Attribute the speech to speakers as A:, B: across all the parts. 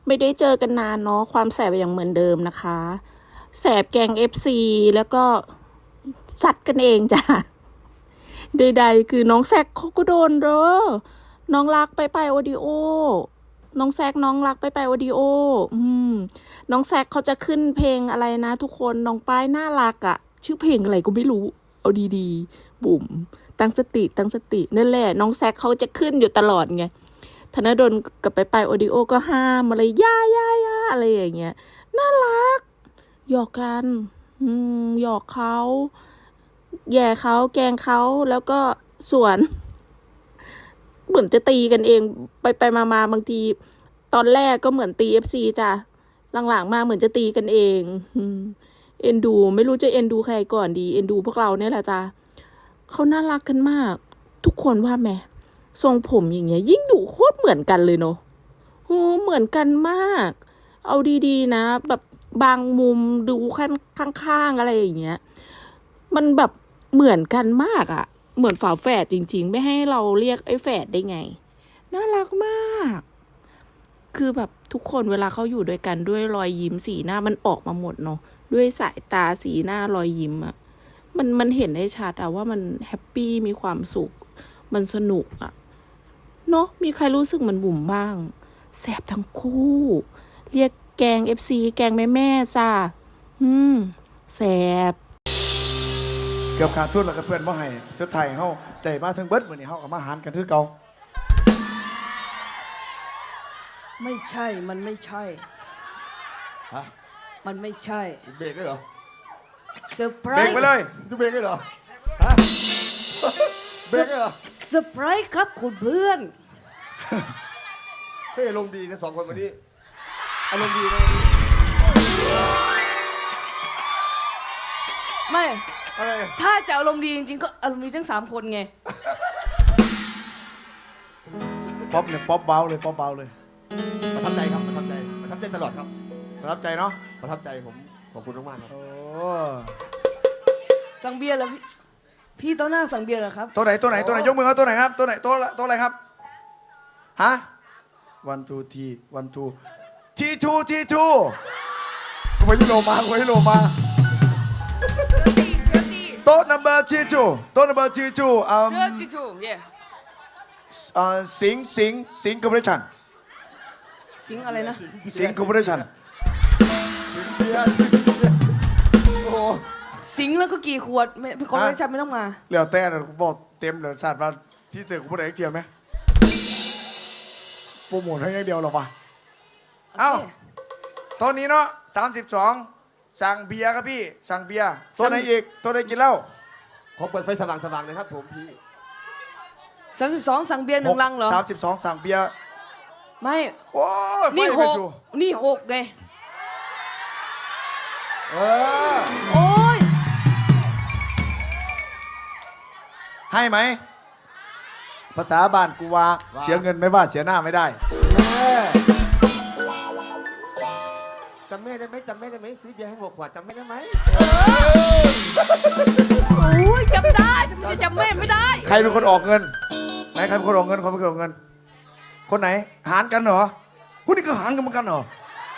A: ไม่ได้เจอกันนานเนาะความแสบยังเหมือนเดิมนะคะแสบแกง FC แล้วก็สัดกันเองจ้ะใดๆคือน้องแซกเขาก็โดนเด้อน้องรักไปโอดิโอน้องแซกน้องรักไปโอดิโอน้องแซกเขาจะขึ้นเพลงอะไรนะทุกคนน้องป้ายน่ารักอะชื่อเพลงอะไรก็ไม่รู้เอาดีๆบุ๋มตั้งสตินั่นแหละน้องแซกเขาจะขึ้นอยู่ตลอดไงธนดลกับไปโอดิโอก็ห้ามอะไรย่าอะไรอย่างเงี้ยน่ารักหยอกกันหยอกเขาแย่เขาแกล้งเขาแล้วก็ส่วนเหมือนจะตีกันเองไปมาบางทีตอนแรกก็เหมือนตี FC จ้ะหลังๆมาเหมือนจะตีกันเองเอ็นดูไม่รู้จะเอ็นดูใครก่อนดีเอ็นดูพวกเราเนี่ยแหละจ้ะเขาน่ารักกันมากทุกคนว่าแม่ทรงผมอย่างเงี้ยยิ่งดูโคตรเหมือนกันเลยเนาะโอ้เหมือนกันมากเอาดีๆนะแบบบางมุมดูข้างๆอะไรอย่างเงี้ยมันแบบเหมือนกันมากอะเหมือนฝาแฝดจริงๆไม่ให้เราเรียกไอ้แฝดได้ไงน่ารักมากคือแบบทุกคนเวลาเขาอยู่ด้วยกันด้วยรอยยิ้มสีหน้ามันออกมาหมดเนาะด้วยสายตาสีหน้ารอยยิ้มอะมันเห็นได้ชัดอะว่ามันแฮปปี้มีความสุขมันสนุกอะเนาะมีใครรู้สึกเหมือนบุ๋มบ้างแสบทั้งคู่เรียกแกง FC แกงแม่จ้าแสบ
B: เกือบขาดทุนแล้วกับเพื่อนบ่ให้สุดท้ายเฮาได้มาถึงเบิดมื้อนี้เฮาก็มาหารกันคือเก่า
C: ไม่ใช่มันไม่ใช่
D: ฮะ
C: มันไม่ใช่
D: เบรกได้เหรอ
C: เซอร์ไพร
B: เบรก
C: ส์
B: ไปเลย
D: จะเบรกได้เหรอฮะเบรกได้เหรอ
C: เซอร์ไพรส์ครับคุณเพื่อน
D: เฮ้ยอารมณ์ดีนะสองคนวันนี้อารมณ์ดีนะ
C: ไม่
D: อะไร
C: ถ้าจะอารมณ์ดีจริงๆก็อารมณ์ดีทั้ง3คนไง
B: ป๊อปเนี่ยป๊อปเบาเลยป๊อปเบาเลย
D: ประทับใจครับประทับใจประทับใจตลอดครับ
B: ประทับใจเนาะ
D: ประทับใจผมขอบคุณมากๆครับ
B: โอ้
C: สั่งเบียร์แล้วพี่โต๊ะหน้าสั่งเบียร์เหรอครับ
B: ตัวไหนยกมือครับตัวไหนครับตัวไหนตัวอะไรครับฮะ1 2 T 1 2 T2 กูไปที่โลมาโต๊ะ number T2 โต๊ะ number T2
C: เชื่อจิจูเย่
B: สิงคอร์ปอเรชั่น
C: สิงอะไรนะ
B: สิงคอร์ปอเรชั่น
D: เบียร์โอ้
C: สิงแล้วก็กี่ขวดไม่คอร์ปอเรชั่นไม่ต้องมา
B: เหลือแต่บอกเต็มเลยศาสตร์ว่าพี่เจอกูพูดอะไรเทียมไหมโปรโมทให้อย่างเดียวหรอปะเอ้าตอนนี้เนาะ32สั่งเบียร์ครับพี่สั่งเบียร์ตัวไหนอีกตัวไหนกินเหล้า
D: ขอเปิดไฟสว่างๆเลยครับผมพี่
C: 32สั่งเบียร์1 ลังเหรอ
B: 32สั่งเบียร์
C: ไม่
B: โอ้ย
C: นี่6ไงโอ้ย
B: ให้ไหมภาษาบ้านกูว่าเสียเงินไม่ว่าเสียหน้าไม่ได้
D: จำแม่ได้ไหมซื้อเบียร์ให้6 ขวดจำแม่ได้ไหม
C: โอ้ยจำได้จำแม่ไม่ได้
B: ใครเป็นคนออกเงินไหนใครเป็นคนออกเงินคนเป็นคนออกเงินคนไหนหารกันเหรอคุณนี่ก็หารกันเหมือนกันเหรอ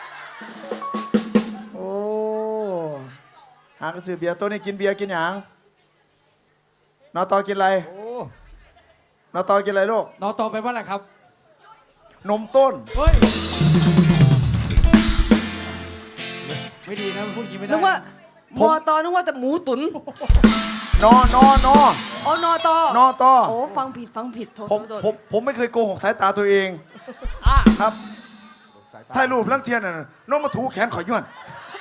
B: โอ้หารกันซื้อเบียร์ตัวนี้กินเบียร์กินหยังนอตอกินอะไรนอตอกินอะไรลูก
E: นอตอไปว่าอะไรครับ
B: นมต้น
E: เฮ้ยไม่ดีนะพูดอย่างนี้ไม่ได้
C: นึกว่ามอตอนึกว่าแต่หมูตุ๋น
B: นอ
C: อ๋อนอตอโอ้ฟังผิดโทษ
B: ผมไม่เคยโกหกสายตาตัวเองครับถ่ายรูปลังเทียนน่ะน้องมาถูแขนขอยย้วน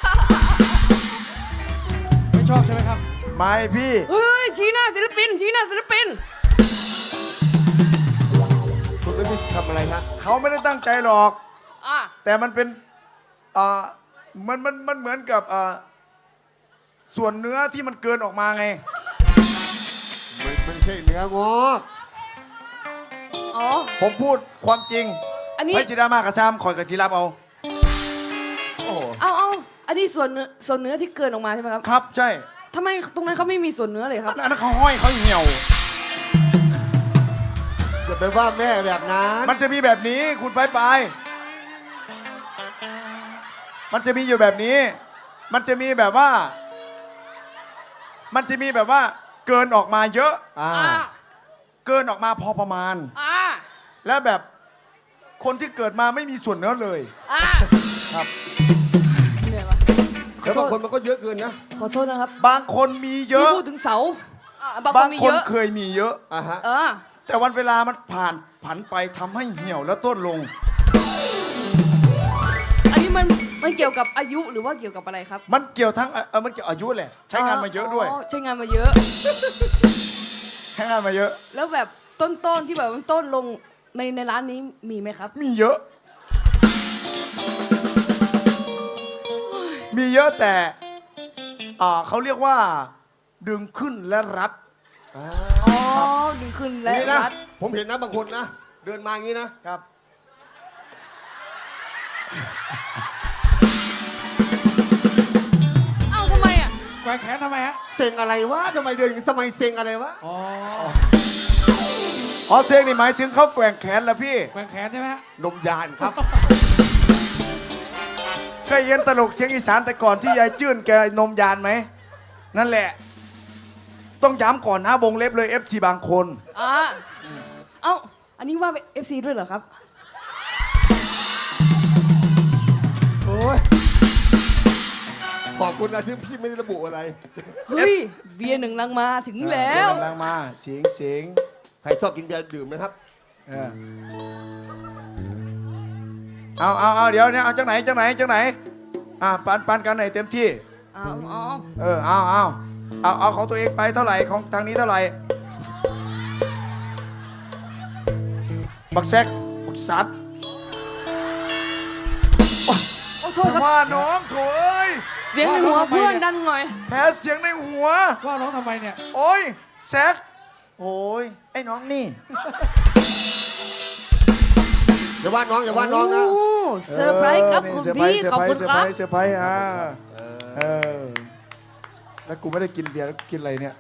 E: ไม่ชอบใช่ไหมครับ
B: ไม่พี่
C: เฮ้ยชี้หน้าศิลปิน
D: คุณไม่ได้ทำอะไรฮะ
B: เขาไม่ได้ตั้งใจหรอกแต่มันเป็นมันเหมือนกับส่วนเนื้อที่มันเกินออกมาไง
D: ไม่ใช่เนื้องอก
B: ผมพูดความจริง
C: อันนี้
B: ไม่ชิดามากกระชามคอยกับจีรับเอา
C: อันนี้ส่วนเนื้อที่เกินออกมาใช่ไหมครับ
B: ครับใช่
C: ทำไมตรงนั้นเขาไม่มีส่วนเนื้อเลยครับ
B: อันนั้นเขาห้อยเขาเหี่ยว
D: อย่าไปว่าแม่แบบนั้น
B: มันจะมีแบบนี้คุณไปมันจะมีอยู่แบบนี้ มันจะมีแบบว่า เกินออกมาเยอะ
D: อ่า
B: เกินออกมาพอประมาณ และแบบคนที่เกิดมาไม่มีส่วนเนื้อเลย ครับ
C: เหนื่อยวะ
D: แล้วบางคนมันก็เยอะเกินนะ
C: ขอโทษนะครับ
B: บางคนมีเย
C: ที่
B: อะ
C: พูดถึงเสาบางค
B: บาน ง
C: มี
B: ค
C: เย
B: น
C: อะ
B: เคยมีเยอะ
D: อ่าฮะ
B: แต่วันเวลามันผันไปทำให้เหี่ยวและต้นลง
C: อันนี้มันเกี่ยวกับอายุหรือว่าเกี่ยวกับอะไรครับ
B: มันเกี่ยวทั้งมันเกี่ยวอายุแหละ ใช้งานมาเยอะด้วย
C: ใช้งานมาเยอะ
B: ใช้งานมาเยอะ
C: แล้วแบบต้นที่แบบมันต้นลงในร้านนี้มีไหมครับ
B: มีเยอะ มีเยอะแต่เขาเรียกว่า ดึงขึ้นและรัด
C: อ๋อดึงขึ้นและ
D: นี่นะ
C: รัด
D: ผมเห็นนะบางคนนะ เดินมาอย่างนี้นะ
B: ครับ
C: เอ้าทำไมอ่ะ
E: แกว่งแขนทำไมฮะ
D: เซ็งอะไรวะทำไมเดินอย่างนี้สมัยเซ็งอะไรวะ
E: อ๋อ
B: อ๋อเซงนี่หมายถึงเขาแกว่งแขนแล้วพี่
E: แกว่งแขนใช่ไหมฮะ
D: นมยานครับ
B: เคยเห็นตลกเสียงอีสานแต่ก่อนที่ยายจื้นแกนมยานไหม นั่นแหละ ต้องย้ำก่อนนะวงเล็บเลย FC บางคน
C: เอ้าอันนี้ว่า FC ด้วยเหรอครับ
D: โอ้ย ขอบคุณนะที่พี่ไม่ได้ระบุอะไร
C: เฮ้ย เบียร์หนึ่งลังมาถึงแล้ว
B: กำลังมาเสียง
D: ใครชอบกินเบียร์ดื่มนะครับ
B: เออเอาเดี๋ยวเนี่ยเอาจากไหนปันกันไหนเต็มที่ เอาของตัวเองไปเท่าไหร่ของทางนี้เท่าไหร่บักแซกบักซัด
C: โอ้โทษครับ
B: ว่าน้องโถเอ้ย
C: เสียงในหัวเพื่อนดังหน่อย
B: แพ้เสียงในหัว
E: ว่าร้องทำไมเนี่ย
B: โอ้ยแซกโอ้ยไอ้น้องนี่
D: อย่าว่าน้องอย่าว่าน้องนะ
C: โอ้เซอร์ไพรส์ครับคุณพี่ขอบคุณ
B: เซอร์
C: ค
B: ไพร
C: รับ
B: ส์เซอร์ไพรส์แล้วกูไม่ได้กินเบียร์แล้วกินอะไรเนี่ย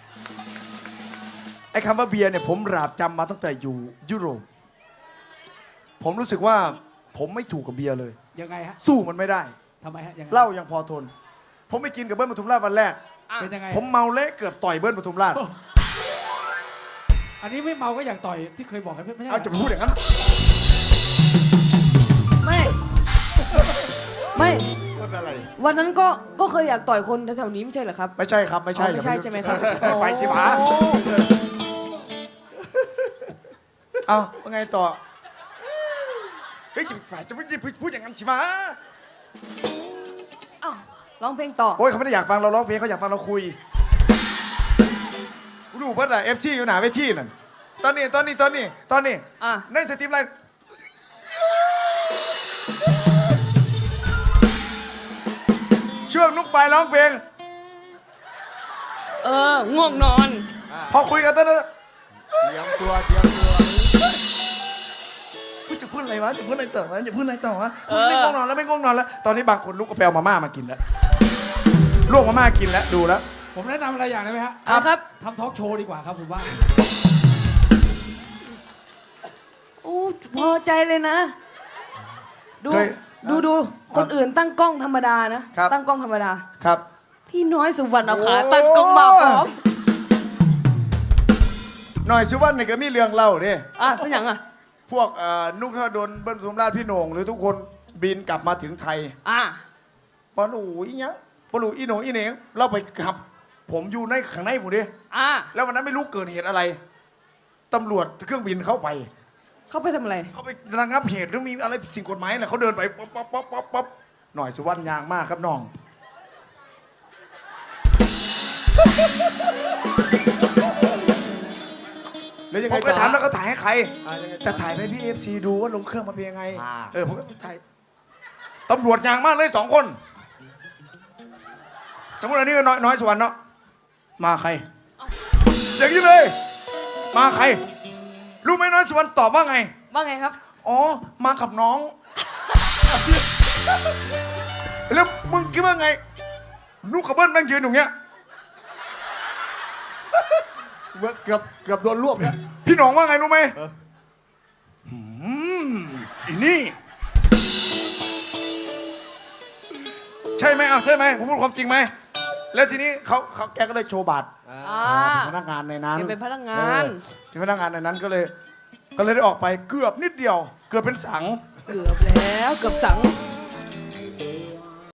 B: ไอ้คำว่าเบียร์เนี่ยผมราบจำมาตั้งแต่อยู่ยุโรป ผมรู้สึกว่าผมไม่ถูกกับเบียร์เลย
E: ยังไงฮะ
B: สู้มันไม่ได้
E: ทำไมฮะยังไง
B: เหล้ายังพอทน ผมไปกินกับเบิ้ลปทุมราชวันแรก
E: เป็นยังไง
B: ผมเมาเละเกือบต่อยเบิ้ลปทุมราช
E: อันนี้ไม่เมาก็อยากต่อยที่เคยบอกกันไม่ใช่
B: เอาจะพูดอย่างนั้น
C: ไม่
D: ต้นอะไร
C: วันนั้นก็เคยอยากต่อยคนแถวๆนี้ไม่ใช่เหรอครับ
B: ไม่ใช่ครับไม่ใช่
C: อ๋อไม่ใช่ใช่ไหมครับ
B: ไปสิหมา
C: โอ้
B: เอาว่าไงต่อ เฮ้ยจะไม่พูดอย่างนั้นสิหมา
C: เอ้าร้องเพลงต่อ
B: โอ้ยเขาไม่ได้อยากฟังเราร้องเพลงเขาอยากฟังเราคุยกูดูเพิ่นอะFTอยู่หนาเวทีนั่นตอนนี้
C: อ่ะ
B: ในสตรีมไลน์ช่วงนุกปลายร้องเพลง
C: ง่วงนอน
B: พอคุยกันตอนนั้น
D: เตรียมตัวเตรียมตัว
B: กูจะพูดอะไรวะจะพูดอะไรต่อวะไม่ง่วงนอนแล้วตอนนี้บางคนลุกก็ไปเอามาม่ามากินแล้วลวกมาม่ากินแล้วดูแล้ว
E: ผมแนะนำอะไรอย่างได้ไหมฮะ
C: ครับ
E: ทำทอล์กโชว์ดีกว่าครับผมว่า
C: โอ้พอใจเลยนะ ดู
B: เคย
C: ดูคนอื่นตั้งกล้องธรรมดานะ
B: ครับ
C: ตั้งกล้องธรรมดา
B: ครับ
C: พี่น้อยสุวรรณเอาขา
B: โอ้
C: ตั้งกล้องมาพร้อม
B: หน่อยชิวันนี่ก็มีเรื่องเล่าเด้
C: เป็นอย่างอ่ะ
B: พวกนุกธนดลเบิ้ลปทุมราชพี่โหน่งหรือทุกคนบินกลับมาถึงไทย ปอลูอีเนี้ยปอลูอีโหน่งอีเหน่งเราไปขับ ผมอยู่ในข้างในผมดิแล้ววันนั้นไม่รู้เกิดเหตุอะไรตำรวจเครื่องบินเข้าไป
C: เขาไปทำอะไร
B: เขาไประงับเหตุหรือมีอะไรสิ่งกฎหมายอะไรเขาเดินไปป๊อปหน่อยสุวรรณยางมากครับน้อง
D: แล้วยัง
B: ผ
D: ไง
B: ม
D: ต่
B: ไป
D: อ
B: ถามแล้วเขาถ่ายให้ใคร
D: ยังไงต่อ
B: จะถ่ายไปพี่FC ดูว่าลงเครื่องมาเป็นยังไง
D: อ่า
B: ผมก็ถ่ายตำรวจยางมากเลย2 คน สมมติอันนี้ก็น้อยสุวรรณเนาะมาใครอย่างนี้เลย มาใคร รู้ไหมน้อยสุวรรณตอบว่าไง
C: ว่าไงครับ
B: อ๋อ มากับน้อง แล้วมึงคิดว่าไงนุกกับเบิ้ลแม่งยืนอยู่เงี้ย
D: เกือบโดนรวบเนี่ย
B: พี่หน้องว่าไงรู้ไหมอีนี่ใช่ไหมเอาใช่ไหมผมพูดความจริงไหมแล้วทีนี้เขาแกก็เลยโชว์บัตร
C: อ่า
B: เป็นพนักงานในนั้น
C: แกเป็นพนักงาน
B: เป็นพนักงานในนั้นก็เลยได้ออกไปเกือบนิดเดียว เกือบเป็นสัง
C: เกือบแล้วเกือบสัง